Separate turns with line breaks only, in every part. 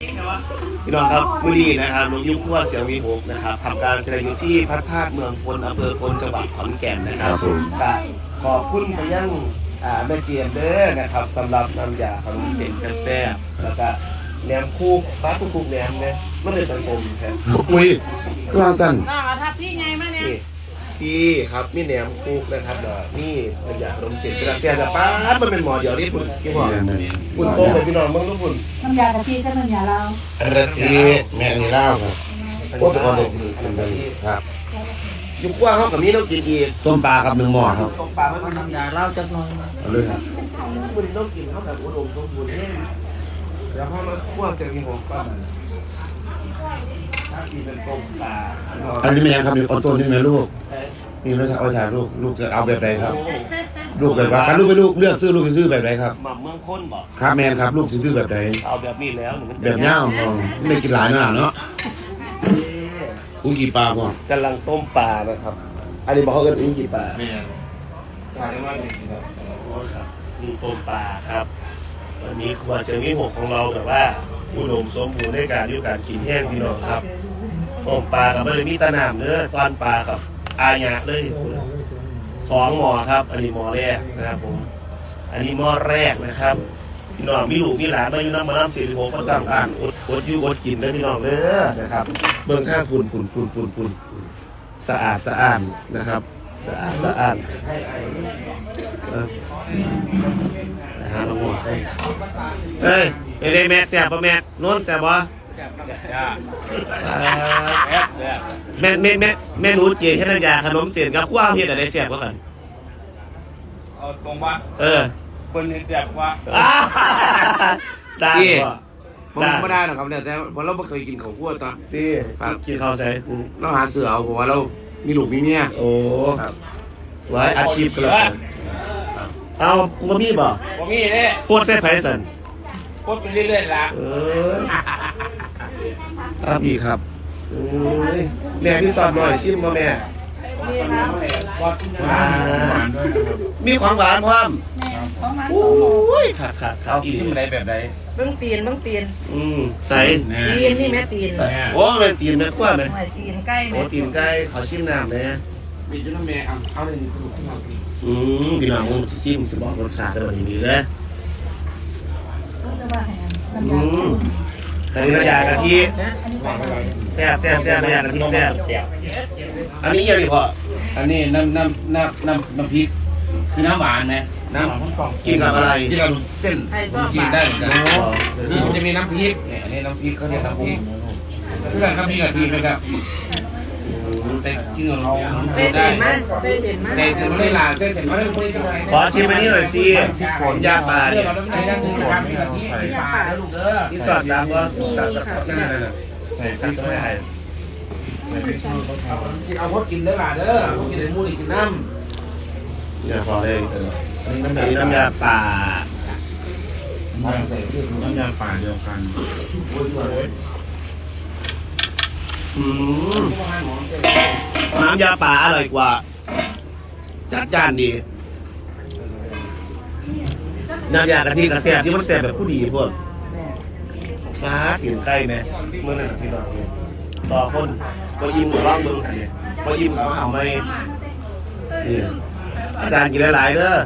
พี่น้องครับมื้อนี้นะครับลุงยุ่งขั้วเสียงวีหกนะครับทำการแสดงอยู่ที่พระธาตุเมืองพลอำเภอพลจังหวัดขอนแก่นนะครับก็ขอบคุณไปยังแม่เจียมเด้อนะครับสำหรับน้ำยาขนมเส้นแซ่บๆแล้วก็แหนมคูกปลาคูกแหนมเนี่ยมันเลยผสมแท้
คุยกลางกัน
น่าทับพี่ไงมาเนี่ย
พี่ครับมีแหนมคูกนะครับนี่น้ำยาขนมเส้นกระเทียมแต่ป้ามันเป็นหมอเดียวนี่คุณกี่หมอคุณโตเลยพี่น้องมึงทุกคน
น้ำยากะทิกับน้ำยาเรา
อันนี้แม่นี่เล่าครับโอ้ตะกอนเด็กครับ
ยุ่งขั้วเขากับมีต้องกินอีก
ต้มปลาครับ1 หม้อครับ
ตกปลามัน
น้ำยาเราจักหน่อย
เอาเลยครับ
คุณต้องกินเขาแบบอุดมสมบูรณ์แน่เดี๋ยวพอมาคั่วเสร็จมีหัวก่อนถ้ากินเป็นต้มปลา
อันนี้แม่ครับมีออโต้นี่แม่ลูกนี่ไม่ใช่เอาถ่ายลูกจะเอาแบบไหนครับลูกแบบว่าการลูกไปลูกเลือกซื้อลูกซื้อแบบไหนครับ
หม่ำเมืองข้นบอก
ครับแม่ครับลูกซื้อแบบไหน
เอาแบบนี้แล้วหนูมัน
แบบเนี้ยไม่กินหลายนะเนาะอุ้งกี่ปลาพ่อก
ำลังต้มปลานะครับ อันนี้บอกเขากันอุ้งกี่ปลา
แม่ถ่ายได้มากจริงครับ
โอ้ครับนี่ต้มปลาครับวันนี้ครัวเสียงวิหกของเราแบบว่าอุดมสมบูรณ์ในการอยู่การกินแห้งพี่น้องครับต้มปลากับไม่ได้มีตะนามเนื้อตอนปลากับอาญะเลย2 หม้อครับ อันนี้หม้อแรกนะครับผมอันนี้หม้อแรกนะครับพี่น้องมีลูกมีหลานมาอยู่น้ำมาน้ำ46ก็ต้องการอดอยู่อดกินเลยพี่น้องเด้อนะครับเบื้องข้างปุ่นสะอาดนะครับสะอาดนะฮะน้องหมดเอ้ยไปเลยแม่แซ่บป่ะแม่โน้นแซ่บป่ะแม่หนูเจี๋ยแค่น้ำยาขนมเสียนกับข้าวเฮ็ดอะไรแซ่บกว่ากัน
เอาตรงว่า คนเห็นแบบว่า
ได้ป่ะ
ผมไม่ได้หรอกครับเนี่ยแต่เพราะเราไม่เคยกินข้าวคั่วตอน
ที่กินข้าวใส่
เราหาเสือเอาผมว่าเรามีลูกมีเมีย
โอ้ไว้อาชีพกันแล้วเอาบ่มีบ่
ผมมีเนี่ย
โคตรแซ่บไผสัน
โคตรไปเรื่อยๆละ
ครับพี่ครับแม่พี่สอนหน่อยชิมมาแม่มีของหวานพร้อม
ของมัน
โอ้ยขาด
เอากินที่มันได้แบบไหน
เบิ้งตีน
ใส่
ตีนนี่แม่ตีน
โอ้เป็นตีนแม่ขั้วไหม
ไม่ตีนใกล้
โอ้
แม่
ตีนไก่ขอชิมน้ำแม่
มีจุ๊บแม่เอาเลย
พี่น้องผมจะชิมจะบอกรสชาติแบบนี้เลยอันนี้น้ำยากะทิแซ่บน้ำยากะทิแซ่บอันนี้ยังดีพอ
อันนี้น้ำพริกคือน้ำหวานนะน้ำ
กินกับอะไร
ที่เราเส้นจีนได้เหมือนกันนี่มันจะมีน้ำพริกเนี่ยอันนี้น้ำพริกเขาเรียกน้ำพริกเพื่อนน้ำพริกกะทินะครับแต่กินกับเรา
เส้น
ได้
เด่นมากเส้นเด่นมาก
แต่เสร็จไม่ได้ลาเสร็จไม่ได้ไม่ได้
ขอชิมอันนี้หน่อยสิผมยาปลา
เรื่
เนี่
อย งเราต้องใช้ด้านหนึ่งนะครับที่ปลาแล้วลูกเด้อ
ที่สอดน้ำว่าตัดนั่นใส่พริกไม่ให้
เอาพดกินเด้อล่ะเด้อพดกินในมูนี่กินน้
อย่าพอเลยอันนี้น้ำยาป่า
ำน้ำยาป่าเดียวกัน
น้ำยาป่าอร่อยกว่าจัดจานดีน้ำยากะทิกระแสบที่มันแสบแบบผู้ดีพวกมาถึงใกล้ไหมเมื่อนั้นพี่น้องเนี่ยต่อคนก็ยิ้มกับร่องเบิ้งอันนี้ก็ยิ้มกับเอาไม่นี่อาจารย์กินหลายๆเด้อ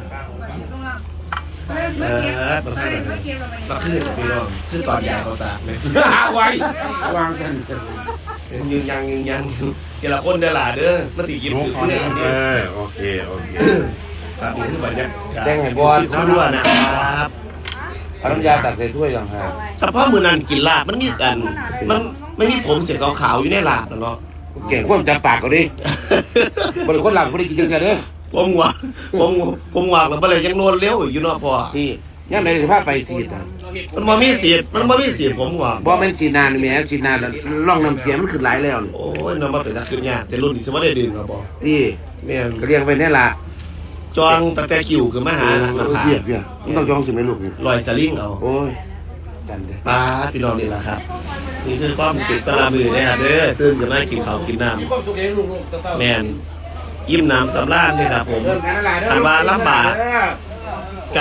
ประเภทประเภทพี่น้องคือตอนยาเขาสาไหม
ไว้
วางกัน
ยืนยังเจละคนเด้อหล่ะเด้อมาตียิ้มถึงเนี่ย
โอเค
ครับนี่คือบรรยากาศ
แจ้งให้บอล
เขาด้วยนะครับ
เอาน้ำยาตักใส่ถ้วยอย่างไร
เฉพาะมือนันกินลาบมันมีสันมันไม่มีผมเสียขาวๆอยู่ในลาบนะเนาะ
เก่งคนจับปากก็ดิบริคนหลังไม่ได้กินกันเด้อ
ผมหวางแล้วอะไรยังโนนเลี้ยวอยู่เนาะพ่อ
ที่ยังในสภาพไปสีด
มันมามีเสียดผมหวาง
เพราะมันสีนานแม่สีนานร่องน้ำเสียมันขึ้นหลายแล้ว
โอ้ยน้องมาเป็นนักขึ้นยากแต่รุ่นนี้ฉันไม่ได้ดื่มครับพ่อ
ที่
แม่น
เรียงไปนี่ละ
จองตะแต่คิวคือมาหาราคา
เพียบมันต้องจองสิไหมลูก
ลอยสลิงเอา
โอ้ยจันเด้
ปลาพี่น้องนี่แหละครับนี่คือความสุขตะลามือนะครับเด้อตื่นจะมากินข้าวกินน้
มีความสุขเองลูก
ำ
ๆ
แม่นอิ่มน้ำสำราญนี่ครับผม
เริ่มงานอะไรเด้อ
ถามว่าลำบากกะ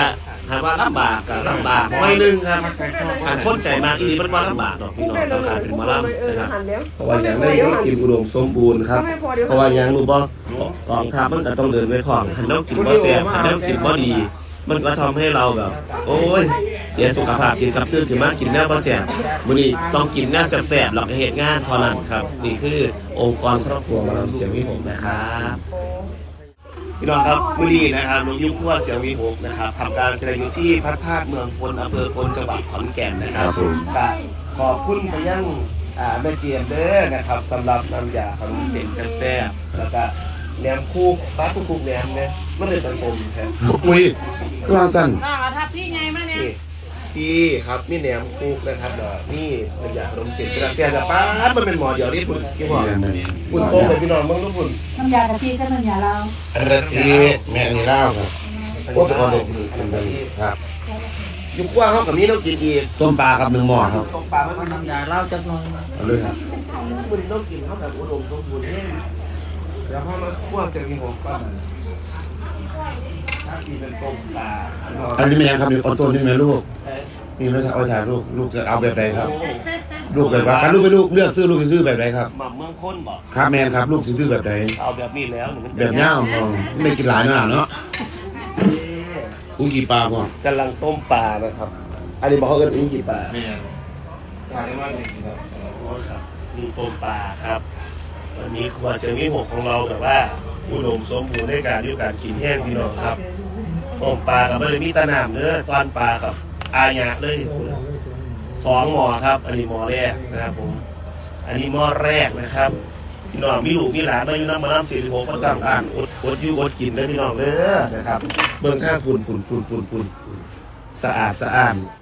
ถามว่าลำบากกับลำบากน้อยนึงครับอ่านคนใจมากอีมันว่าลำบากดอกพี่น้องต้องการเป็นหมอลำนะครับเพราะว่าอย่างได้ก็กินอุดมสมบูรณ์ครับเพราะว่าอย่างรู้บ่กองทัพมันก็ต้องเดินไปของหันน้ำกินบ่แซ่บหันน้ำกินบ่ดีมันก็ทำให้เราแบบ โอ้ยเสียสุขภาพกินกับตื่นขึ้นมากินแนวบ่แซ่บมื้อนี้ต้องกินแนวแซ่บๆหรอกเหตุงานเท่านั้นครับนี่คือองค์กรครอบครัวหมอลำเสียงวิหกนะครับพี่น้องครับมื้อนี้นะครับลุงยุ่งขั้วเสียงวิหกนะครับทำการแสดงอยู่ที่พระธาตุเมืองพลอำเภอพลจังหวัดขอนแก่นนะครับก็ขอบคุณไปยังแม่เจียมเด้อนะครับสำหรับน้ำยาขนมเส้นแซ่บๆแล้วก็แหนมคู่ปลาคู่แหนมเนี่ยมันเลยผสมแท้
คุยกลางสั้น
น้องเอาทับพี่ไงมาเนี่ย
พี่ครับนี่แหนมคู่นะครับเดี๋ยวนี่น้ำยาขนมเส้นกระเซียนแต่ป้ามันเป็นหมอเดียวนี่คุณกี่หมอคุณโตเลยพี่น้องมึงทุกคน
น้ำยากะทิกับน้ำยาเรา
อันนี้ที่แม่นี่เล่าครับโอ้เป็นคนเด็กครับ
ยุคกว้างเขากับนี้ต้องกินอีก
ต้มปลาครับ1 หม้อครับ
ตกปลามัน
น้ำยาเราจักหน่อย
เอาเลยครับ
มันต้องกินเขาแบบอุดมสมบูรณ์แน่เดี๋ยวพ่อมาคั่วเสร็จมีหัวก่อนถ้ากินเป็นต้มปลา
อันนี้แม่ครับมีออโต้นี่แม่ลูกนี่ไม่ใช่เอาถ่ายลูกจะเอาแบบใดครับลูกแบบว่าลูกไปลูกเลือกซื้อลูกซื้อแบบใดครับ
หม่ำเมืองค้นบอก
ครับแม่ครับลูกซื้อแบบใด
เอาแบบนี้แล้วหนูมัน
แบบย่างไม่กินหลายนะเนาะกูกี่ปลาพ่อก
ำลังต้มปลานะครับ อันนี้บอกเขาเอิ้นอุ้งกี่ปลา
แม่ถ่ายว่านี่ครับ
โอ้ครับนี่ต้มปลาครับวันนี้ครัวเสียงวิหกของเราแบบว่าอุดมสมบูรณ์ในการอยู่การกินแห้งพี่น้องครับต้มปลากับไม่ได้มีตะนามเนื้อตอนปลากับอาญะเลย2 หม้อครับ อันนี้หม้อแรกนะครับผมอันนี้หม้อแรกนะครับพี่น้องมีลูกมีหลานมาอยู่น้ำมาน้ำ46ก็ต้องการอดอยู่อดกินเลยพี่น้องเด้อนะครับเบื้องข้างปุ่นสะอาด